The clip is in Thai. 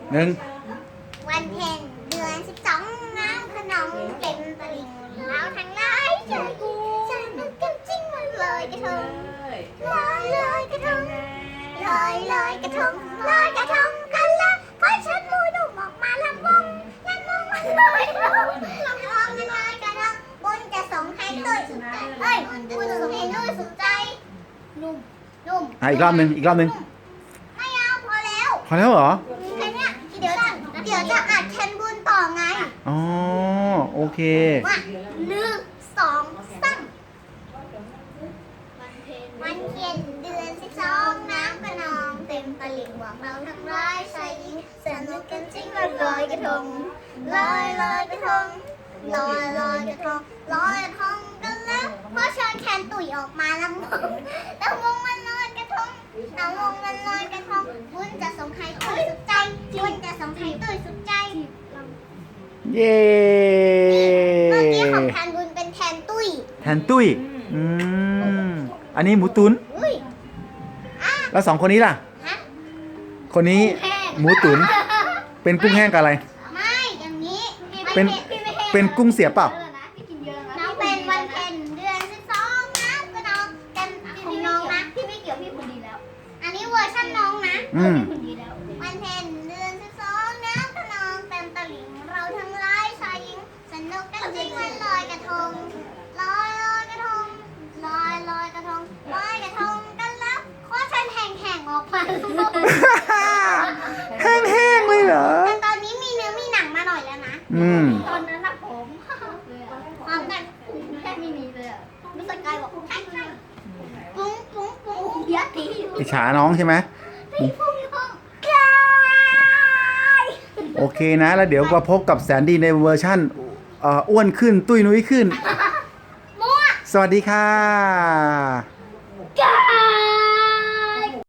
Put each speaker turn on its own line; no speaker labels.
หนึ่ง
วันเพ็ญเดือน12น้ำขนองเต็มตลิ่งเราทั้งหลายใจกูจะนึกกันจริงมันเลยกระทงลอยกระทงลอยกระทงลอยกระทงกันละเพราะฉันมูดุออกมาลำวงมันลอยลำมันลอยกระทงบุญจะส่งให้ด้วยสุดใจเฮ้ยบุญจะส่งให้ด้วยสุดใจนุ่ม
อีกรอบหนึ่ง
ไม่เอาพอแล้ว
พอแล้วเหรอ
แค่เนี้ยเดี๋ยวจะอัดแคนบุญต่อไง
อ๋อโอเค
ว่า1 2 3วันเพ็ญเดือน12น้ำกระนองเต็มตลิ่งหวังเราทั้งร้ายชายหญิงสนุกกันจริงวันลอยกระทงลอยกระทงลอยกระทงลอยกระทงกันแล้วเพราะเชิญแคนตุ๋ยออกมาลำวงมันลอยกระทงลำวงมันลอยกระทงบุญจะส่งให้ตุ้ยสุดใจบุญจะส่งให้ตุ้ยสุดใจ
เย้
เมื่อกี้ของแทนบุญเป็นแทนตุ้ย
แทนตุ้ยอันนี้หมูตุ๋น
อุ้ย
แล้ว2คนนี้ล่ะ
ฮะ
คนนี้หมูตุ๋นเป็นกุ้งแห้งกับอะไร
ไม่อย่างนี้
เป็นกุ้งเสียบเปล่า
น้องเป็นวันเพ็ญเดือน12นะก็น้องกันของน้องนะพี่ไม่เกี่ยวพี่คนดีแล้วอันนี้เวอร์ชันน้องนะคนดีแล้ววันเพ็ญเดือน12นะก็น้องเต็มตลิ่งเราทั้งหลายชายหญิงสนุกกันจริงวันลอยกระทงลอยกระทงลอยกระทงลอยกระทงกันแล้วขอฉันแห่งออกมา
แห้งๆเลยเหรอ
แต่ตอนนี้มีเนื้อมีหนังมาหน่อยแล้วนะตอนนั้นนะผมพร้อมกันแค่มีเลยอ่ะรู้สึกกายบอกใช่ปุ้งยัดที
อิจฉาน้องใช่ไหม
ปุ้งกาย
โอเคนะแล้วเดี๋ยวมาพบกับแสนดีในเวอร์ชั่นอ้วนขึ้นตุ้ยนุ้ยขึ้น
มั่ว
สวัสดีค่ะ
กาย